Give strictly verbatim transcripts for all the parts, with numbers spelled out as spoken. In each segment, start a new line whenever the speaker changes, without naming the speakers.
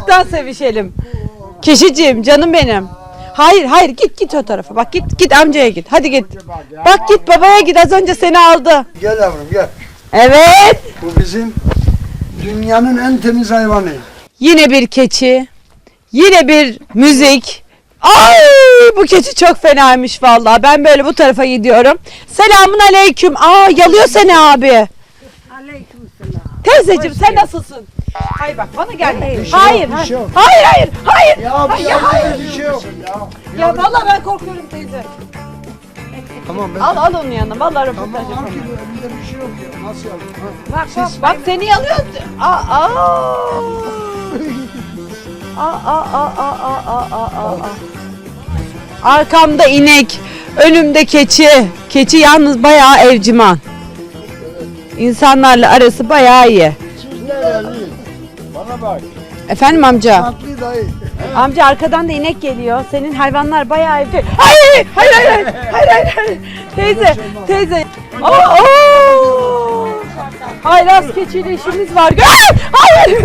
uzaktan sevişelim. Keşiciğim, canım benim. Hayır hayır git git o tarafa. Bak git git amcaya git. Hadi git. Bak git babaya git. Az önce seni aldı.
Gel yavrum gel.
Evet.
Bu bizim dünyanın en temiz hayvanı.
Yine bir keçi. Yine bir müzik. Ay bu keçi çok fenaymış vallahi. Ben böyle bu tarafa gidiyorum. Selamun aleyküm. Aa yalıyor seni abi.
Aleykümselam.
Teyzeciğim sen nasılsın? Hayır bak bana gel.
Bir şey
Hayır.
yok, bir şey yok.
Hayır hayır hayır.
Ya bir
ya, hayır.
bir şey yok. Ya,
Ya vallahi ben korkuyorum teyze.
tamam ben.
Al al onun yanına. Vallahi röportaj
Tamam al
yapalım.
ki bu elinde bir şey yok ya. Nasıl yapayım?
Bak bak bak seni yalıyor. Aa aa. Aa aa aa aa aa aa aa. Arkamda inek, önümde keçi. Keçi yalnız bayağı evciman. İnsanlarla arası bayağı iyi.
Siz nereliyiz? Bana bak.
Efendim amca?
Tatlı dayı.
Amca arkadan da inek geliyor. Senin hayvanlar bayağı evde. Hayır hayır hayır hayır hayır hayır. hayır. Teyze teyze. Oo, oo. Hayır az keçiyle işimiz var. Ay, hayır.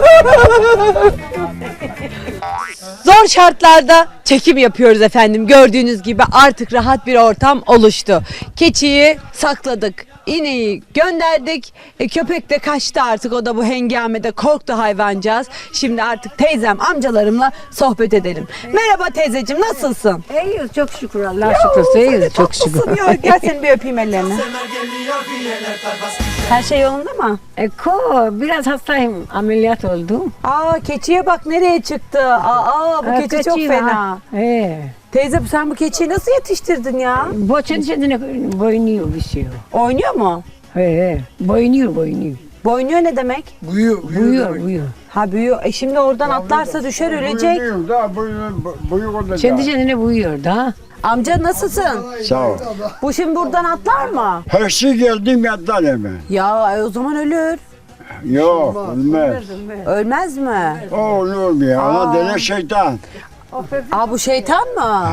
Zor şartlarda çekim yapıyoruz efendim. Gördüğünüz gibi artık rahat bir ortam oluştu. Keçiyi sakladık. İneği gönderdik. E, köpek de kaçtı artık. O da bu hengamede korktu hayvancağız. Şimdi artık teyzem, amcalarımla sohbet edelim. Merhaba teyzeciğim, nasılsın?
İyiyiz çok şükür Allah şükür. İyiyiz çok şükür.
Tatlısın ya. Gel seni bir öpeyim ellerini. Her şey yolunda mı?
E, ko, biraz hastayım. Ameliyat oldum.
Aa keçiye bak nereye çıktı. Aa bu
Ha,
keçi çok
keçi
fena.
var. He.
Teyze sen bu keçiyi nasıl yetiştirdin ya?
Boçun içinde boynuyor bir şey.
Oynuyor mu?
He he. Boynuyor boynuyor.
Boynuyor ne demek?
Büyüyor.
Buyuyor buyuyor.
Ha büyüyor. E şimdi oradan atlarsa düşer ölecek.
Büyüyor da büyük olacak.
Kendi kendine buyuyor da.
Amca nasılsın?
Sağ ol.
Bu şimdi buradan atlar mı?
Her şey geldim yattan hemen.
Ya e, o zaman ölür.
Yok olmaz.
Ölmez mi?
O olur ya. Ona dene şeytan.
Aa bu şeytan mı?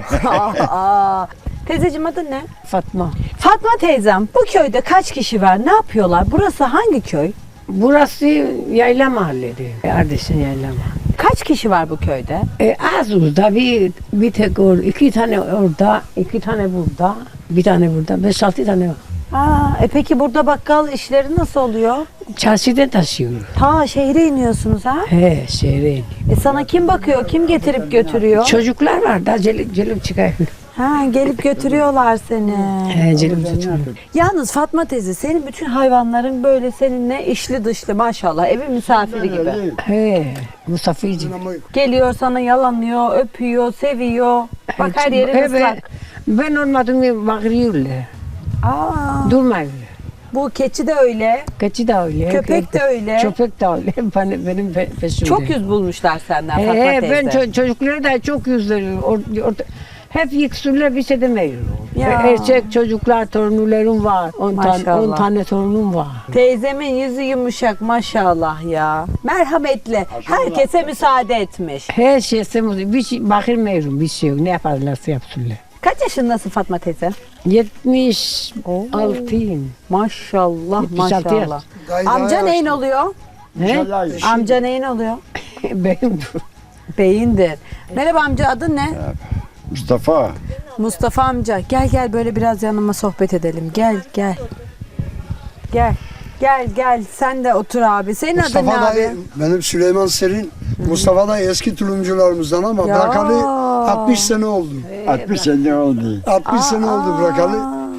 Aa. Teyzeciğim adın ne?
Fatma.
Fatma teyzem bu köyde kaç kişi var? Ne yapıyorlar? Burası hangi köy?
Burası yayla mahalledi. Kardeşin yayla mahalle.
Kaç kişi var bu köyde?
E, az orada bir, bir tek or, iki tane orada, iki tane burada, bir tane burada, beş altı tane var.
Aa, e peki burada bakkal işleri nasıl oluyor?
Çarşıda taşıyoruz.
Ta şehre iniyorsunuz ha?
He, şehre iniyor.
E sana kim bakıyor? Kim getirip götürüyor?
Çocuklar var da gelip, gelip çıkıyor.
Ha gelip götürüyorlar seni.
He, gelip çıkıyor.
Yalnız Fatma teyze senin bütün hayvanların böyle seninle işli dışlı maşallah evin misafiri gibi.
He, Mustafa'cığım.
Geliyor sana yalanıyor, öpüyor, seviyor. Bak her yerin
Evet,
ıslak.
ben olmadım bağırıyorlar.
Aa,
Durmuyorlar.
bu keçi de öyle,
Keçi de öyle.
köpek de öyle.
Köpek de öyle. Benim, benim pe- peşimde.
Çok yüz bulmuşlar senden
He,
Fatma
he,
teyze.
ben ço- çocukları da çok yüzlerim. Or- or- hep yıksırlar bir şey demiyorum.
Ya.
Erkek çocuklar, torunlarım var. On, tane,
Maşallah.
on tane torunum var.
Teyzemin yüzü yumuşak maşallah ya. Merhametli. Herkese müsaade etmiş.
Her şeyse bir şey bakılmıyorum, bir şey yok. Ne yaparlarsa yapsınlar.
Kaç yaşındasın Fatma teyze?
yetmiş altıyım.
Maşallah
yetmiş altı yaş.
maşallah.
Dayı daha
Amca neyin
yaşlı.
oluyor?
He?
Amca neyin oluyor?
Benim
Beyindir. Merhaba amca adın ne?
Mustafa.
Mustafa amca gel gel böyle biraz yanıma sohbet edelim. Gel gel. Gel. Gel gel sen de otur abi. Senin adın ne
Mustafa
abi?
dayı, benim Süleyman Serin. Mustafa da eski tulumcularımızdan ama
Ya.
bırakalı altmış sene oldu.
altmış sene oldu.
altmış sene oldu bırakalı.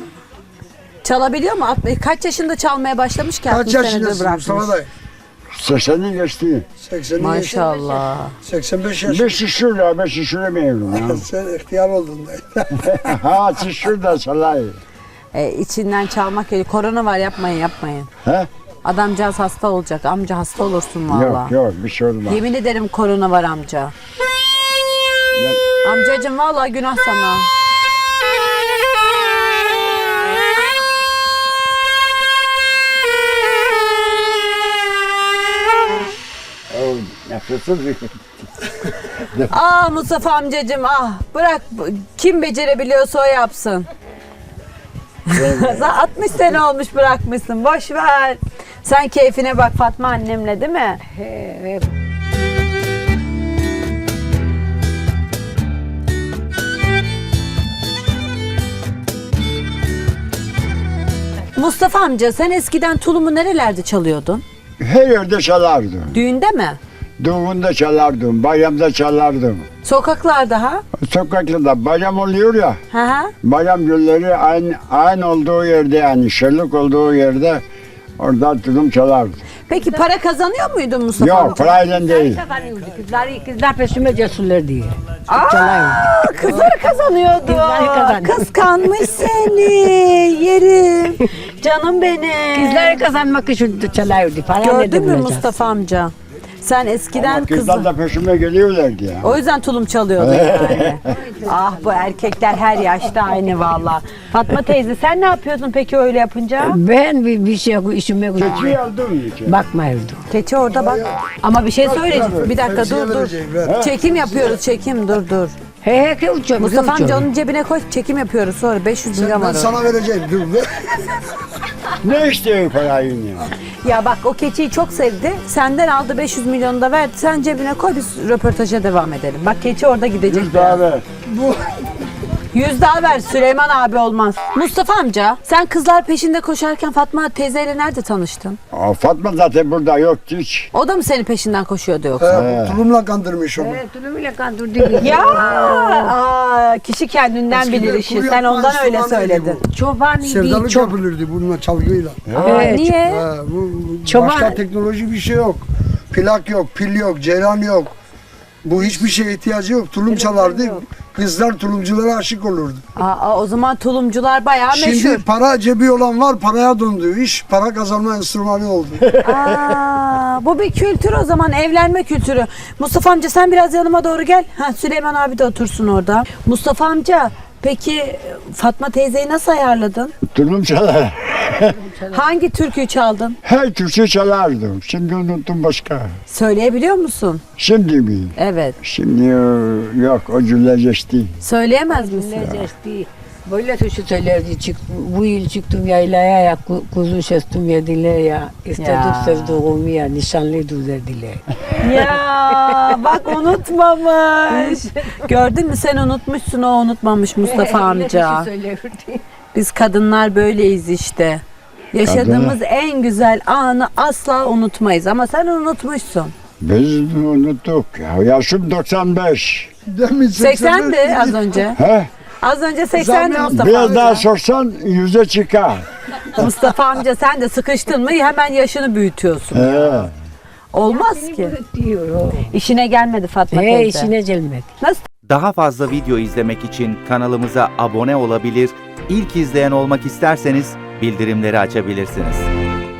Çalabiliyor mu? Alt- Kaç yaşında çalmaya başlamış ki?
Kaç
altmış senedir
yaşındasın
bırakmış.
Mustafa dayı?
sekseni geçti.
seksen
Maşallah.
seksen beş yaş.
Beş şişirle, beş şişiremiyorum ya.
Sen ihtiyar oldun dayı.
Ha şişir de salay.
E, içinden çalmak geliyor. Korona var yapmayın yapmayın.
He?
Adamcağız hasta olacak. Amca hasta olursun valla.
Yok yok bir şey olmaz.
Yemin ederim korona var amca. Amcacığım valla günah sana.
Nefessiz
Ah Mustafa amcacığım ah bırak kim becerebiliyorsa o yapsın. Sen altmış sene olmuş bırakmışsın boş ver. Sen keyfine bak Fatma annemle değil mi?
he, he.
Mustafa amca sen eskiden tulumu nerelerde çalıyordun?
Her yerde çalardım.
Düğünde mi?
Düğünde çalardım, bayramda çalardım.
Sokaklarda ha?
Sokaklarda bayram oluyor ya,
Hı hı.
bayram günleri aynı, aynı olduğu yerde yani şenlik olduğu yerde orada tulum çalardım.
Peki para kazanıyor muydun Mustafa
Yok,
amca?
parayla değil.
Kızlar, kızlar peşime cesurlar diye.
Aa, kızları kazanıyordu.
Kızları kazanıyor.
Kıskanmış seni. Yerim. Canım benim.
Kızları kazanmak için çalıyordu. Para nerede
Gördün mü
bulacağız?
Mustafa amca? Sen eskiden
Ama
kızlar...
kızlar da peşime geliyorlardı ya.
O yüzden tulum çalıyordu yani. Ah bu erkekler her yaşta aynı valla. Fatma teyze sen ne yapıyordun peki öyle yapınca?
Ben bir, bir şey işime
Keçi aldım ki.
bakmıyordum.
Keçi orada bak. Ama bir şey söyleyeceğim. Bir dakika
Tepsiye
dur dur.
vereceğim, ver.
Çekim yapıyoruz çekim dur dur.
He he ki uçuyor.
Mustafa amca onun cebine koy çekim yapıyoruz sonra beş yüz milyon
Ben
var.
sana vereceğim. Dur be.
Ne istiyor parayı ya?
Ya bak o keçiyi çok sevdi. Senden aldı beş yüz milyonu da verdi. Sen cebine koy biz röportaja devam edelim. Bak keçi orada gidecek.
Yüz daha ver.
Yüz daha ver Süleyman abi olmaz. Mustafa amca sen kızlar peşinde koşarken Fatma teyzeyle nerede tanıştın?
Aa, Fatma zaten burada yoktu hiç.
O da mı senin peşinden koşuyordu yoksa?
He, tulumla kandırmış onu.
Evet, tulumuyla kandırdı.
Ya aa, kişi kendinden
Eskiden
bilir işi.
kuru
Sen
yapma
ondan öyle
enstrümanıydı
söyledin.
bu.
Çoban idi.
Sevdalık
Çok,
yapılırdı bununla çalgıyla.
Evet.
Niye?
He, bu, bu
Çoban-
başka teknoloji bir şey yok. Plak yok, pil yok, ceylan yok. Bu hiçbir şeye ihtiyacı yok. Tulum çalardı. Kızlar tulumculara aşık olurdu.
Aa, o zaman tulumcular bayağı
Şimdi
meşhur.
para cebi olan var, paraya döndü. İş para kazanma enstrümanı oldu.
Aa, bu bir kültür o zaman evlenme kültürü. Mustafa amca sen biraz yanıma doğru gel. Ha, Süleyman abi de otursun orada. Mustafa amca peki Fatma teyzeyi nasıl ayarladın?
Tulum çalar.
Hangi türküyü çaldın?
Her türkü çalardım. Şimdi unuttum başka.
Söyleyebiliyor musun?
Şimdi mi?
Evet.
Şimdi e, yok o cümle geçti.
Söyleyemez misin?
Necesti. Böyle tuşu söylerdi. Çık, bu yıl çıktım yaylaya ya ku- kuzu şestim yediler ya. İstedim
Ya.
sevduğumu ya nişanlıydı dediler.
Ya bak unutmamış. Gördün mü sen unutmuşsun o unutmamış Mustafa amca. Biz kadınlar böyleyiz işte. Yaşadığımız en güzel anı asla unutmayız ama sen unutmuşsun.
Biz unuttuk ya. Yaşım doksan beş.
Demin
seksendi az önce.
He?
Az önce seksendi
Zam
Mustafa
Biraz
amca.
daha sorsan yüze çıkar.
Mustafa amca sen de sıkıştın mı hemen yaşını büyütüyorsun.
He.
Olmaz ki.
Diyor o.
İşine gelmedi Fatma
He
teyze.
işine gelmedi.
Nasıl?
Daha fazla video izlemek için kanalımıza abone olabilir, ilk izleyen olmak isterseniz bildirimleri açabilirsiniz.